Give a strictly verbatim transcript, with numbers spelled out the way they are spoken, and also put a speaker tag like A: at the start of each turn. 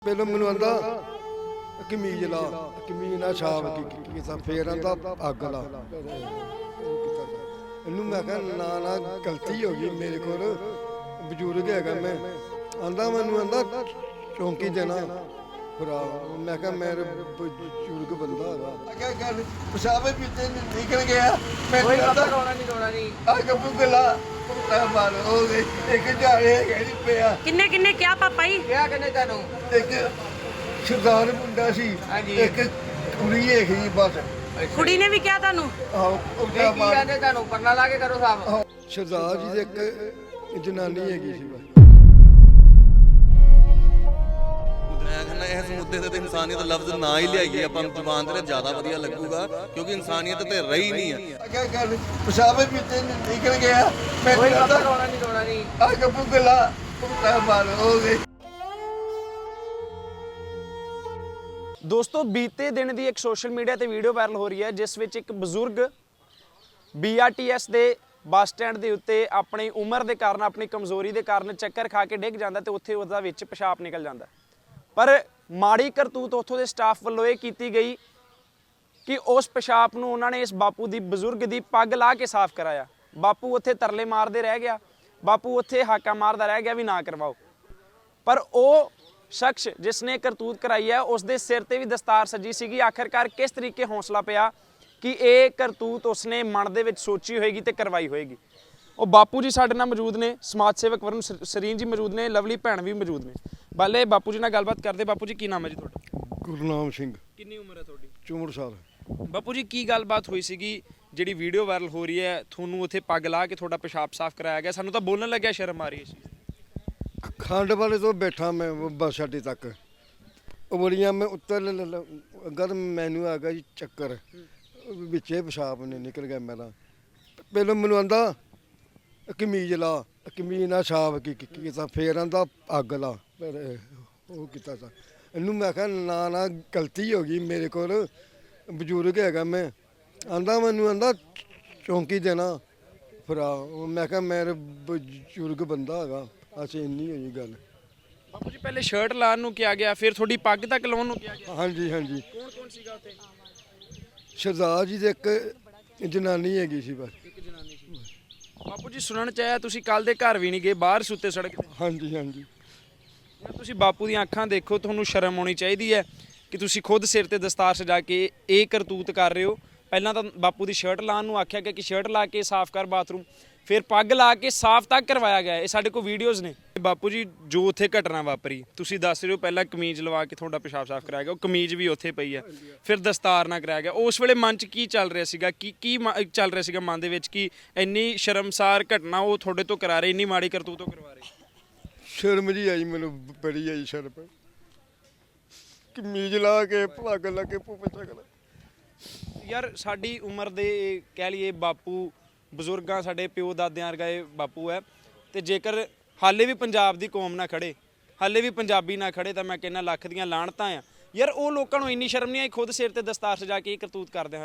A: ਪਹਿਲਾਂ ਮੈਨੂੰ ਆਂਦਾ ਕਮੀਜ਼ ਲਾ ਕਮੀਜ਼ ਨਾਲ ਛਾਪ ਕੀ ਕੀਤਾ ਫੇਰ ਆਂਦਾ ਅੱਗ ਲਾ ਇਹਨੂੰ ਮੈਂ ਕਿਹਾ ਨਾ ਨਾ ਗਲਤੀ ਹੋ ਗਈ ਮੇਰੇ ਕੋਲ ਬਜ਼ੁਰਗ ਹੈਗਾ ਮੈਂ ਆਂਦਾ ਮੈਨੂੰ ਆਂਦਾ ਚੌਂਕੀ ਦੇਣਾ ਭਰਾ ਮੈਂ ਕਿਹਾ ਮੇਰੇ ਬਜ਼ੁਰਗ ਬੰਦਾ ਹੈਗਾ
B: क्या कर पेशाब पीते निकल गया मैं
C: कोई
B: आता
C: रोना नहीं रोना नहीं
B: आ कबू गला कुत्ता मार हो गई एक जाड़े गई पिया
D: किन्ने किन्ने क्या पापा जी
C: क्या करने तेनू
B: एक सरदार मुंडा सी
C: ਹਾਂਜੀ।
B: एक कुड़ी ਹੈਗੀ बस
D: कुड़ी ने भी क्या तानू
B: ਆਹ ਕੁੱਤਾ
C: नहीं की
B: ਮਾਰ
C: जाने तेनू परना ला के करो साहब
A: ਸਰਦਾਰ ਜੀ ਦੇ ਇੱਕ ਜਨਾਨੀ ਹੈਗੀ ਸੀ ਬਸ
E: ਮੈਂ ਕਹਿੰਦਾ ਇਸ ਮੁੱਦੇ ਤੇ ਤਾਂ ਇਨਸਾਨੀਅਤ ਦਾ ਲਫ਼ਜ਼ ਨਾ ਹੀ ਲਿਆਈਏ ਆਪਾਂ ਜ਼ੁਬਾਨ ਤੇ ਜ਼ਿਆਦਾ ਵਧੀਆ ਲੱਗੂਗਾ ਕਿਉਂਕਿ ਇਨਸਾਨੀਅਤ ਤੇ ਰਹੀ ਨਹੀਂ ਹੈ।
B: क्या कर पेशाब पीते निकल गया मैं
C: कोई
B: आता
C: रोना नहीं रोना नहीं
B: आ कबू गला कुत्ता मार हो गई
F: ਦੋਸਤੋ ਬੀਤੇ ਦਿਨ ਦੀ ਇੱਕ ਸੋਸ਼ਲ ਮੀਡੀਆ ਤੇ ਵੀਡੀਓ ਵਾਇਰਲ ਹੋ ਰਹੀ ਹੈ ਜਿਸ ਵਿੱਚ ਇੱਕ ਬਜ਼ੁਰਗ ਬੀ ਆਰ ਟੀ ਐਸ ਦੇ ਬੱਸ ਸਟੈਂਡ ਦੇ ਉੱਤੇ ਆਪਣੀ ਉਮਰ ਦੇ ਕਾਰਨ ਆਪਣੀ ਕਮਜ਼ੋਰੀ ਦੇ ਕਾਰਨ ਚੱਕਰ ਖਾ ਕੇ ਡਿੱਗ ਜਾਂਦਾ ਤੇ ਉੱਥੇ ਉਹਦਾ ਵਿੱਚ ਪਿਸ਼ਾਬ ਨਿਕਲ ਜਾਂਦਾ ਪਰ ਮਾੜੀ ਕਰਤੂਤ ਉੱਥੋਂ ਦੇ ਸਟਾਫ ਵੱਲੋਂ ਇਹ ਕੀਤੀ ਗਈ ਕਿ ਉਸ ਪਿਸ਼ਾਬ ਨੂੰ ਉਹਨਾਂ ਨੇ ਇਸ ਬਾਪੂ ਦੀ ਬਜ਼ੁਰਗ ਦੀ ਪੱਗ ਲਾ ਕੇ ਸਾਫ਼ ਕਰਾਇਆ। ਬਾਪੂ ਉੱਥੇ ਤਰਲੇ ਮਾਰਦੇ ਰਹਿ ਗਿਆ, ਬਾਪੂ ਉੱਥੇ ਹਾਕਾ ਮਾਰਦਾ ਰਹਿ ਗਿਆ ਵੀ ਨਾ ਕਰਵਾਓ। ਪਰ ਉਹ ਸ਼ਖਸ ਜਿਸ ਨੇ ਕਰਤੂਤ ਕਰਾਈ ਹੈ ਉਸ ਦੇ ਸਿਰ ਤੇ ਵੀ ਦਸਤਾਰ ਸੱਜੀ ਸੀਗੀ। ਆਖਰਕਾਰ ਕਿਸ ਤਰੀਕੇ ਹੌਸਲਾ ਪਿਆ ਕਿ ਇਹ ਕਰਤੂਤ ਉਸਨੇ ਮਨ ਦੇ ਵਿੱਚ ਸੋਚੀ ਹੋਏਗੀ ਤੇ ਕਰਵਾਈ ਹੋਏਗੀ। ਉਹ ਬਾਪੂ ਜੀ ਸਾਡੇ ਨਾਲ ਮੌਜੂਦ ਨੇ, ਸਮਾਜ ਸੇਵਕ ਵਰਨ ਸਰੀਨ ਜੀ ਮੌਜੂਦ ਨੇ, ਲਵਲੀ ਭੈਣ ਵੀ ਮੌਜੂਦ ਨੇ। ਬਾਲੇ ਬਾਪੂ ਜੀ ਨਾਲ ਗੱਲਬਾਤ ਕਰਦੇ। ਬਾਪੂ ਜੀ ਕੀ ਨਾਮ ਹੈ ਜੀ ਤੁਹਾਡਾ?
A: ਗੁਰਨਾਮ ਸਿੰਘ
F: ਕਿੰਨੀ ਉਮਰ ਹੈ ਤੁਹਾਡੀ?
A: ਚੌਂਹਠ ਸਾਲ
F: ਬਾਪੂ ਜੀ ਕੀ ਗੱਲਬਾਤ ਹੋਈ ਸੀਗੀ ਜਿਹੜੀ ਵੀਡੀਓ ਵਾਇਰਲ ਹੋ ਰਹੀ ਹੈ? ਤੁਹਾਨੂੰ ਉੱਥੇ ਪੱਗ ਲਾ ਕੇ ਤੁਹਾਡਾ ਪਿਸ਼ਾਬ ਸਾਫ਼ ਕਰਾਇਆ ਗਿਆ, ਸਾਨੂੰ ਤਾਂ ਬੋਲਣ ਲੱਗਿਆ ਸ਼ਰਮ ਆ ਰਹੀ ਹੈ।
A: ਖੰਡ ਵਾਲੇ ਤੋਂ ਬੈਠਾ ਮੈਂ ਬੱਸ ਅੱਡੇ ਤੱਕ ਉਹ ਬੜੀਆਂ ਮੈਂ ਉੱਤਰ ਅਗਰ ਮੈਨੂੰ ਆ ਗਿਆ ਜੀ ਚੱਕਰ ਵਿੱਚੇ ਪਿਸ਼ਾਬ ਨੇ ਨਿਕਲ ਗਿਆ ਮੇਰਾ। ਪਹਿਲਾਂ ਮੈਨੂੰ ਆਂਦਾ ਕਮੀਜ਼ ਲਾ ਕਮੀਜ਼ ਨਾਲ ਛਾਪ ਕੀ ਕੀਤਾ ਫੇਰ ਆਂਦਾ ਅੱਗ ਲਾ ਫਿਰ ਉਹ ਕੀਤਾ ਤਾਂ ਇਹਨੂੰ ਮੈਂ ਕਿਹਾ ਨਾ ਨਾ ਗਲਤੀ ਹੋ ਗਈ ਮੇਰੇ ਕੋਲ ਬਜ਼ੁਰਗ ਹੈਗਾ ਮੈਂ ਆਂਦਾ ਮੈਨੂੰ ਆਂਦਾ ਚੌਂਕੀ ਦੇਣਾ ਭਰਾ ਮੈਂ ਕਿਹਾ ਮੇਰੇ ਬਜ਼ੁਰਗ ਬੰਦਾ ਹੈਗਾ ਅਸੀਂ ਇੰਨੀ ਹੋਈ ਗੱਲ।
F: ਬਾਪੂ ਜੀ ਪਹਿਲੇ ਸ਼ਰਟ ਲਾਉਣ ਨੂੰ ਕਿਹਾ ਗਿਆ, ਫਿਰ ਤੁਹਾਡੀ ਪੱਗ ਤੱਕ ਲਾਉਣ ਨੂੰ ਕਿਹਾ ਗਿਆ।
A: ਹਾਂਜੀ ਹਾਂਜੀ
F: ਕੌਣ ਕੌਣ ਸੀਗਾ ਉੱਥੇ?
A: ਸਰਦਾਰ ਜੀ ਦੇ ਇੱਕ ਜਨਾਨੀ ਹੈਗੀ ਸੀ ਬਸ।
F: ਇੱਕ ਜਨਾਨੀ ਸੀ। ਬਾਪੂ ਜੀ ਸੁਣਨ ਚ ਆਇਆ ਤੁਸੀਂ ਕੱਲ ਦੇ ਘਰ ਵੀ ਨਹੀਂ ਗਏ, ਬਾਹਰ ਸੁੱਤੇ ਸੜਕ ਤੇ।
A: ਹਾਂਜੀ ਹਾਂਜੀ
F: ਯਾਰ ਤੁਸੀਂ ਬਾਪੂ ਦੀਆਂ ਅੱਖਾਂ ਦੇਖੋ, ਤੁਹਾਨੂੰ ਸ਼ਰਮ ਆਉਣੀ ਚਾਹੀਦੀ ਹੈ ਕਿ ਤੁਸੀਂ ਖੁਦ ਸਿਰ ਤੇ ਦਸਤਾਰ ਸਜਾ ਕੇ ਇਹ ਕਰਤੂਤ ਕਰ ਰਹੇ ਹੋ। ਪਹਿਲਾਂ ਤਾਂ ਬਾਪੂ ਦੀ ਸ਼ਰਟ ਲਾਉਣ ਨੂੰ ਆਖਿਆ ਗਿਆ ਕਿ ਸ਼ਰਟ ਲਾ ਕੇ ਸਾਫ਼ ਕਰ ਬਾਥਰੂਮ, ਫਿਰ ਪੱਗ ਲਾ ਕੇ ਸਾਫ਼ ਤੱਕ ਕਰਵਾਇਆ ਗਿਆ। ਇਹ ਸਾਡੇ ਕੋਲ ਵੀਡੀਓਜ਼ ਨੇ। ਬਾਪੂ ਜੀ ਜੋ ਉੱਥੇ ਘਟਨਾ ਵਾਪਰੀ ਤੁਸੀਂ ਦੱਸ ਰਹੇ ਹੋ, ਪਹਿਲਾਂ ਕਮੀਜ਼ ਲਵਾ ਕੇ ਤੁਹਾਡਾ ਪਿਸ਼ਾਬ ਸਾਫ਼ ਕਰਾਇਆ ਗਿਆ, ਉਹ ਕਮੀਜ਼ ਵੀ ਉੱਥੇ ਪਈ ਹੈ, ਫਿਰ ਦਸਤਾਰ ਨਾਲ ਕਰਾਇਆ ਗਿਆ। ਉਸ ਵੇਲੇ ਮਨ 'ਚ ਕੀ ਚੱਲ ਰਿਹਾ ਸੀਗਾ, ਕੀ ਕੀ ਚੱਲ ਰਿਹਾ ਸੀਗਾ ਮਨ ਦੇ ਵਿੱਚ ਕਿ ਇੰਨੀ ਸ਼ਰਮਸਾਰ ਘਟਨਾ ਉਹ ਤੁਹਾਡੇ ਤੋਂ ਕਰਾ ਰਹੇ, ਇੰਨੀ ਮਾੜੀ ਕਰਤੂਤ ਉਹ ਕਰਵਾ ਰਹੇ?
A: ਸ਼ਰਮ ਜੀ ਆਈ ਮੈਨੂੰ, ਬੜੀ ਆਈ ਸ਼ਰਮ। ਕਮੀਜ਼ ਲਾ ਕੇ ਪੱਗ ਲਾ ਕੇ ਪੁੱਪੇ ਚੱਕਦਾ।
F: ਯਾਰ ਸਾਡੀ ਉਮਰ ਦੇ ਕਹਿ ਲਈਏ ਬਾਪੂ ਬਜ਼ੁਰਗਾਂ ਸਾਡੇ ਪਿਓ ਦਾਦਿਆਂ ਵਰਗੇ ਬਾਪੂ ਹੈ, ਤੇ ਜੇਕਰ ਹਾਲੇ ਵੀ ਪੰਜਾਬ ਦੀ ਕੌਮ ਨਾ ਖੜੇ, ਹਾਲੇ ਵੀ ਪੰਜਾਬੀ ਨਾ ਖੜੇ ਤਾਂ ਮੈਂ ਕਹਿੰਦਾ ਲੱਖ ਦੀਆਂ ਲਾਹਣਤਾਂ ਆ। ਯਾਰ ਉਹ ਲੋਕਾਂ ਨੂੰ ਇੰਨੀ ਸ਼ਰਮ ਨਹੀਂ ਆਈ ਖੁਦ ਸਿਰ ਤੇ ਦਸਤਾਰ ਸਜਾ ਕੇ ਇਹ ਕਰਤੂਤ ਕਰਦੇ ਹਨ।